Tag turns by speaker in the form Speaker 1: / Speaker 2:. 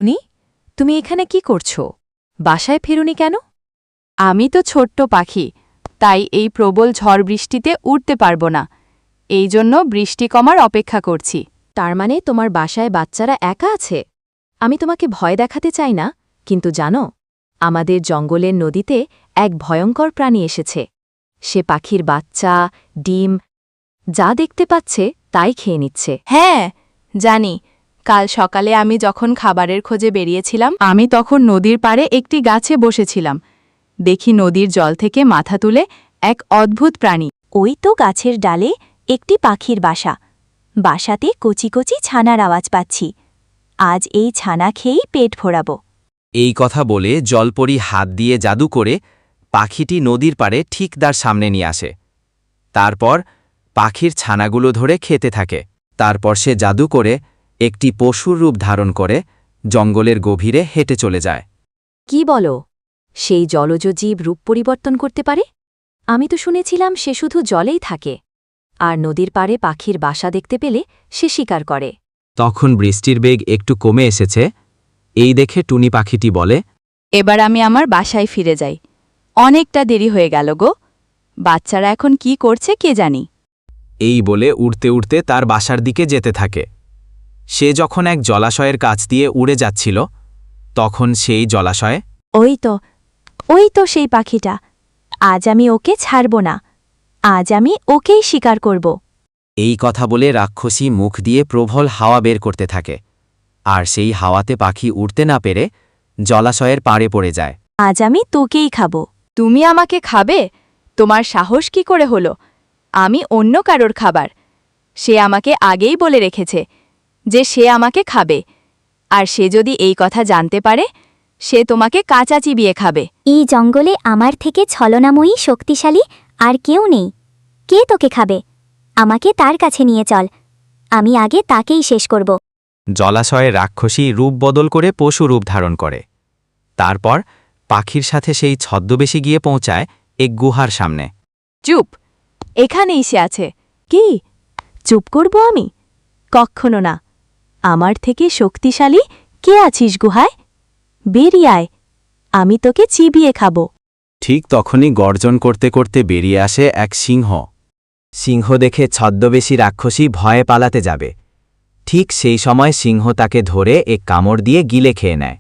Speaker 1: তুমি এখানে কি করছো? বাসায় ফেরোনি কেন? আমি তো ছোট্ট পাখি, তাই এই প্রবল ঝড় বৃষ্টিতে উড়তে পারব না। এই জন্য বৃষ্টি কমার অপেক্ষা করছি। তার মানে তোমার বাসায় বাচ্চারা একা আছে? আমি তোমাকে ভয় দেখাতে চাই না, কিন্তু জানো, আমাদের জঙ্গলের নদীতে এক ভয়ঙ্কর প্রাণী এসেছে। সে পাখির বাচ্চা, ডিম যা দেখতে পাচ্ছে তাই খেয়ে নিচ্ছে। হ্যাঁ, জানি। কাল সকালে আমি যখন খাবারের খোঁজে বেরিয়েছিলাম, আমি তখন নদীর পাড়ে একটি গাছে বসেছিলাম। দেখি নদীর জল থেকে মাথা তুলে এক অদ্ভুত প্রাণী।
Speaker 2: ওই তো গাছের ডালে একটি পাখির বাসা। বাসাতে কচি কচি ছানার আওয়াজ পাচ্ছি। আজ এই ছানা খেয়েই পেট ভরাব।
Speaker 3: এই কথা বলে জলপরি হাত দিয়ে জাদু করে পাখিটি নদীর পাড়ে ঠিক তার সামনে নিয়ে আসে। তারপর পাখির ছানাগুলো ধরে খেতে থাকে। তারপর সে জাদু করে একটি পশুর রূপ ধারণ করে জঙ্গলের গভীরে হেঁটে চলে যায়।
Speaker 1: কি বলো? সেই জলজ জীব রূপ পরিবর্তন করতে পারে? আমি তো শুনেছিলাম সে শুধু জলেই থাকে, আর নদীর পাড়ে পাখির বাসা দেখতে পেলে সে শিকার করে।
Speaker 3: তখন বৃষ্টির বেগ একটু কমে এসেছে। এই দেখে টুনি পাখিটি বলে,
Speaker 1: এবার আমি আমার বাসায় ফিরে যাই। অনেকটা দেরি হয়ে গেল গো। বাচ্চারা এখন কি করছে কে জানি।
Speaker 3: এই বলে উড়তে উড়তে তার বাসার দিকে যেতে থাকে। সে যখন এক জলাশয়ের কাছ দিয়ে উড়ে যাচ্ছিল, তখন সেই জলাশয়ে
Speaker 2: ওই তো সেই পাখিটা। আজ আমি ওকে ছাড়ব না। আজ আমি ওকেই শিকার করব।
Speaker 3: এই কথা বলে রাক্ষসী মুখ দিয়ে প্রবল হাওয়া বের করতে থাকে, আর সেই হাওয়াতে পাখি উড়তে না পেরে জলাশয়ের পাড়ে পড়ে যায়।
Speaker 2: আজ আমি তোকেই খাব।
Speaker 1: তুমি আমাকে খাবে? তোমার সাহস কি করে হলো? আমি অন্য কারোর খাবার। সে আমাকে আগেই বলে রেখেছে যে সে আমাকে খাবে, আর সে যদি এই কথা জানতে পারে, সে তোমাকে কাঁচা চিবিয়ে খাবে।
Speaker 2: এই জঙ্গলে আমার থেকে ছলনাময়ী শক্তিশালী আর কেউ নেই। কে তোকে খাবে? আমাকে তার কাছে নিয়ে চল। আমি আগে তাকেই শেষ করব।
Speaker 3: জলাশয়ে রাক্ষসী রূপ বদল করে পশু রূপ ধারণ করে। তারপর পাখির সাথে সেই ছদ্মবেশে গিয়ে পৌঁছায় এক গুহার সামনে।
Speaker 1: চুপ! এখানেই সে আছে।
Speaker 2: কি? চুপ করব আমি? কক্ষনো না। আমার থেকে শক্তিশালী কে আছিস গুহায়? বেরিয়ে আয়, আমি তোকে চিবিয়ে খাব।
Speaker 3: ঠিক তখনই গর্জন করতে করতে বেরিয়ে আসে এক সিংহ। সিংহ দেখে ছদ্মবেশী রাক্ষসী ভয়ে পালাতে যাবে। ঠিক সেই সময় সিংহ তাকে ধরে এক কামড় দিয়ে গিলে খেয়ে নেয়।